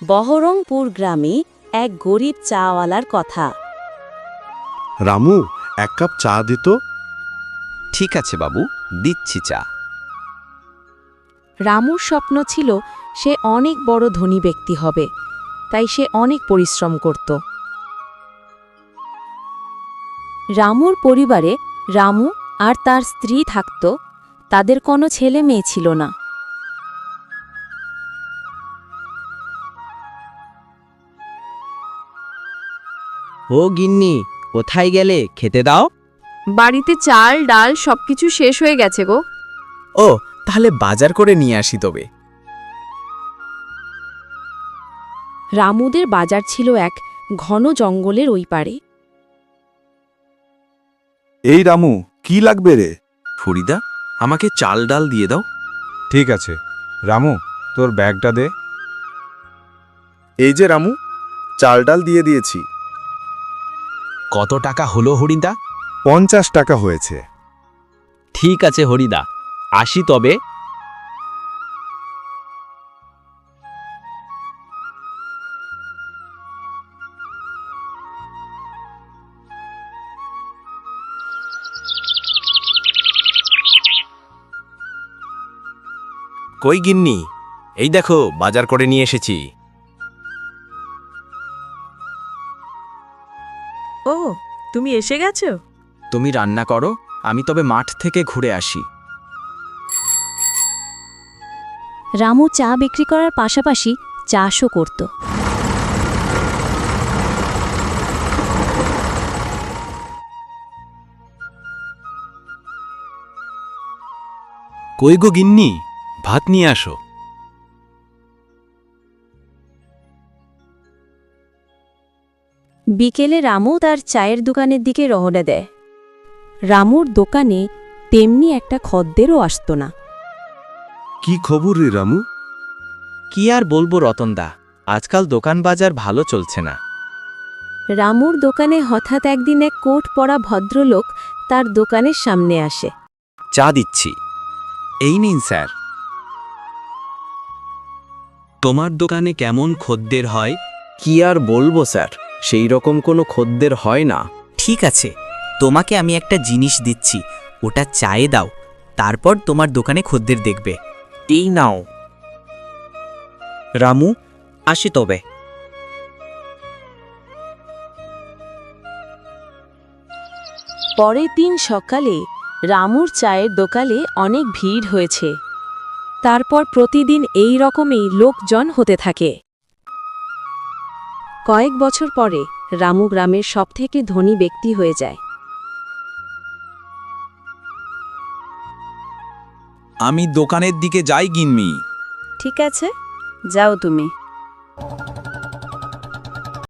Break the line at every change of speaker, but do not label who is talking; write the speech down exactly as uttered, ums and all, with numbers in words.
বহরমপুর গ্রামে এক গরিব চাওয়ালার কথা।
রামু, এক কাপ চা দিত।
ঠিক আছে বাবু, দিচ্ছি চা।
রামুর স্বপ্ন ছিল সে অনেক বড় ধনী ব্যক্তি হবে, তাই সে অনেক পরিশ্রম করত। রামুর পরিবারে রামু আর তার স্ত্রী থাকত, তাদের কোনো ছেলে মেয়ে ছিল না।
ও গিন্নি, কোথায় গেলে? খেতে দাও।
বাড়িতে চাল ডাল সবকিছু শেষ হয়ে গেছে গো।
ও, তাহলে বাজার করে নিয়ে আসি তবে।
রামুদের বাজার ছিল এক ঘন জঙ্গলের ওই পারে।
এই রামু, কি লাগবে রে?
ফরিদা, আমাকে চাল ডাল দিয়ে দাও।
ঠিক আছে রামু, তোর ব্যাগটা দে।
এই যে রামু, চাল ডাল দিয়ে দিয়েছি।
কত টাকা হলো হরিদা?
পঞ্চাশ টাকা হয়েছে।
ঠিক আছে হরিদা, আসি তবে।
কই গিন্নি, এই দেখো বাজার করে নিয়ে এসেছি।
ও, তুমি এসে গেছো?
তুমি রান্না করো, আমি তবে মাঠ থেকে ঘুরে আসি।
রামু চা বিক্রি করার পাশাপাশি চাষও করত।
কই গো গিন্নি, ভাত নিয়ে আসো।
বিকেলে রামু তার চায়ের দোকানের দিকে রওনা দেয়। রামুর দোকানে তেমনি একটা খদ্দেরও আসত না।
কি খবর রে রামু?
কি আর বলবো রতনদা, আজকাল দোকান বাজার ভালো চলছে না।
রামুর দোকানে হঠাৎ একদিন এক কোট পরা ভদ্রলোক তার দোকানের সামনে আসে।
চা দিচ্ছি, এই নিন স্যার। তোমার দোকানে কেমন খদ্দের হয়?
কি আর বলবো স্যার, সেই রকম কোনো খদ্দের হয় না।
ঠিক আছে, তোমাকে আমি একটা জিনিস দিচ্ছি, ওটা চায়ে দাও, তারপর তোমার দোকানে খদ্দের দেখবে।
এই নাও।
রামু, আসি তবে।
পরের দিন সকালে রামুর চায়ের দোকানে অনেক ভিড় হয়েছে। তারপর প্রতিদিন এই রকমই লোকজন হতে থাকে। কয়েক বছর পরে রামু গ্রামের সবথেকে ধনী ব্যক্তি হয়ে যায়।
আমি দোকানের দিকে যাই গিন্নি।
ঠিক আছে, যাও তুমি।